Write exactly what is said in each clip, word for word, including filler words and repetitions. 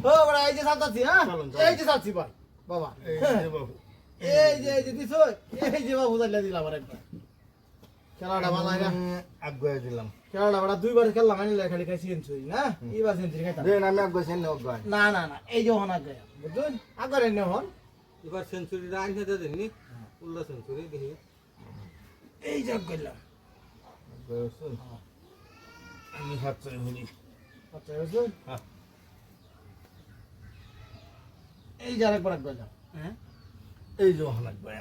ও বড় এই যে সাতাছি হ্যাঁ এই যে সাতাছি ভাই বাবা এই যে বাবু এই যে এই যে দিছো এই যে বাবু জানলা দিলাম আর একটা খেলাটা ভালো না আগুয়ে দিলাম খেলাটা বড় দুইবার খেললাম আমি খালি খাই সেঞ্চুরি না এইবার সেঞ্চুরি খাইতাম দেন আমি আগুয়ে সেন আগুয়ে না না না এই যে হন আগে বুঝুন আগরে নে হন এবার সেঞ্চুরিটা আনতে দেননি উল্লা সেঞ্চুরি দেখি এই যে গেলাম আগুয়ে শুন আমি হাত চলে হলি আচ্ছা বুঝুন হ্যাঁ এই যে আরেকবার গেলাম হ্যাঁ এই যে হন আগুয়ে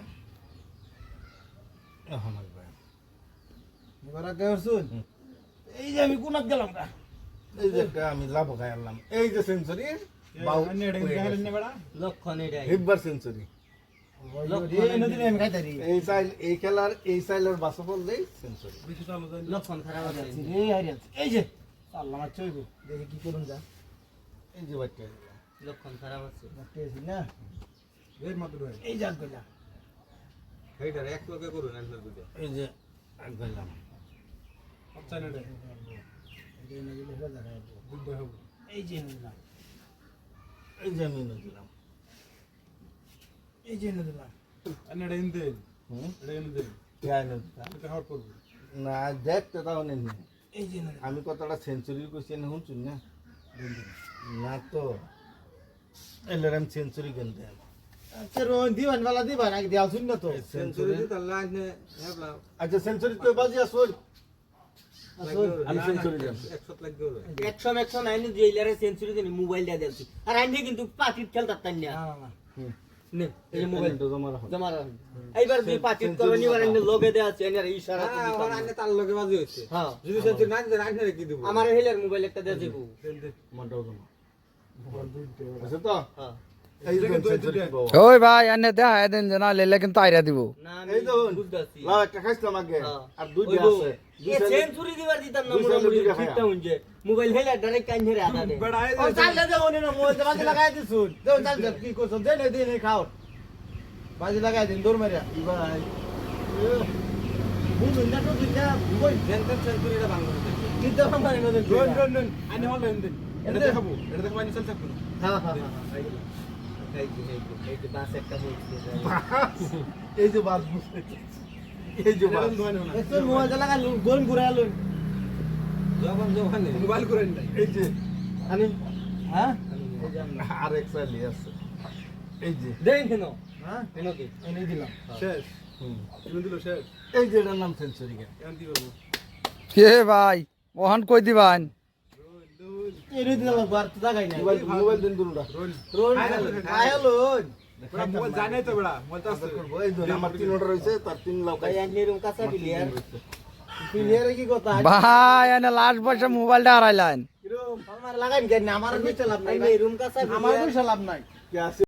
এখন আগুয়ে এবার আগে শুন এই যে আমি কোনাত গেলাম না এই যে একটা আমি লাভ খাইলাম এই যে সেঞ্চুরি বাউ লক্ষণ এটাই হিব্বার সেঞ্চুরি এই নদী আমি খাইতারি এই সাইল এই খেলার এই সাইলের বাসফল দেই সেঞ্চুরি লক্ষণ খারাপ আছে এই হারিয়া এই যে আল্লাহ আমার চইবো দেখি কি করুন যা এই যে বাচ্চা লক্ষণ খারাপ আছে দেখতেছি না এই মাত্র এই যাক গেলা এইটার এক লোকে করুন আনসার দুটো এই যে আগুলাম আচ্ছা না এই নদী লেখা দেখা বুদ্ধ হবে এই যে নদী এই যে আমি দিলাম এই যে নদী ಅನ್ನಡ ಹಿಂದೆ হুম ಹಿಂದೆ কেন হাওয়ার করবো না দেখতে তাও নেই এই যে নদী আমি কতটা সেঞ্চুরি কইছি না শুনছুন না না তো এলের আমি সেঞ্চুরি কিনতে আচ্ছা রোন দিবান वाला দিবান আগে দেওয়া শুন না তো সেঞ্চুরি দিতে লাইনে হেবলা আচ্ছা সেঞ্চুরি তো বাজি আসল আমি সেঞ্চুরি দিলাম একশো লাখ গেল একশো একশো নাইনে জেলারে সেঞ্চুরি দেনি মোবাইল দিয়া দিলছি আর আইনে কিন্তু পাটিত খেলতাম তাই না না না নে এই যে মোবাইল তো জমা রাখো জমা রাখ এইবার যে পাটিত করনি বার আইনে লগে দেয়া আছে এর ইশারা হ্যাঁ ওর আনে তার লগে বাজি হইছে হ্যাঁ যদি সেঞ্চুরি না দিতে আনতে কি দিব আমার হেলের মোবাইল একটা দেয়া যাবো মনটাও জমা আছে তো হ্যাঁ এই যে সেঞ্চুরি পাবো ওই ভাই এনে দেখা দেন জানা লেলে কিন্তু আইরা দিব না এই আমি দেখুন বুঝতাছি লাও একটা খাইছিলাম আগে হ্যাঁ। আর দুই ওই আছে এ সেঞ্চুরি দিবার দিতাম না দুই সালে মোবাইল দুইটা ঠিকটা হইছে মোবাইল হেলে ডাইরেক্ট কাইন ধরে আদা দে ও চাল দে ওনে না মোবাইল বাজি লাগাই দিছুন দেও চাল দে কি করছ দে নে দে নে খাও বাজি লাগাই দিন দৌড় মারিয়া ভাই বুঝুন না তো দিনা কই জেনতেন সেঞ্চুরিটা ভাঙলো কিতে মানে না দেন ডন ডন ডন আনি হল হিন্দে এটা দেখাবো এটা দেখাবো আনি চল থাকবো হ্যাঁ হ্যাঁ এই যে এই যে এই যে বাস একটা হইছে এই যে বাস বুঝতে এই যে বাস এত মোবাইল লাগা গোল ঘুরাইলুন যখন যখন মোবাইল করেন নাই এই যে আমি হ্যাঁ আর এক সাইলি আছে এই যে দেন কেন হ্যাঁ কেন কি এনে দিলাম শেষ হুম তুমি দিল শেষ এই যে এটার নাম সেঞ্চুরি কেন এখন কি করবো কে ভাই ওহান কই দিবান এনে দিলাম বার তো জায়গায় নাই মোবাইল মোবাইল দিন দুলুটা রোল আয়ালুন মোবাইল জানাই তো বেড়া মোবাইল তো আছে করবো এই ধরে আমার তিন অর্ডার হয়েছে তার তিন লাখ ভাই আইনে রুম কাছে ক্লিয়ার প্লেয়ারে কি কথা ভাই এনে লাস্ট বছর মোবাইলটা হারাইলেন আমার লাগাইন কেন আমার কিছু লাভ নাই আইনে রুম কাছে আমার কিছু লাভ নাই কে আছে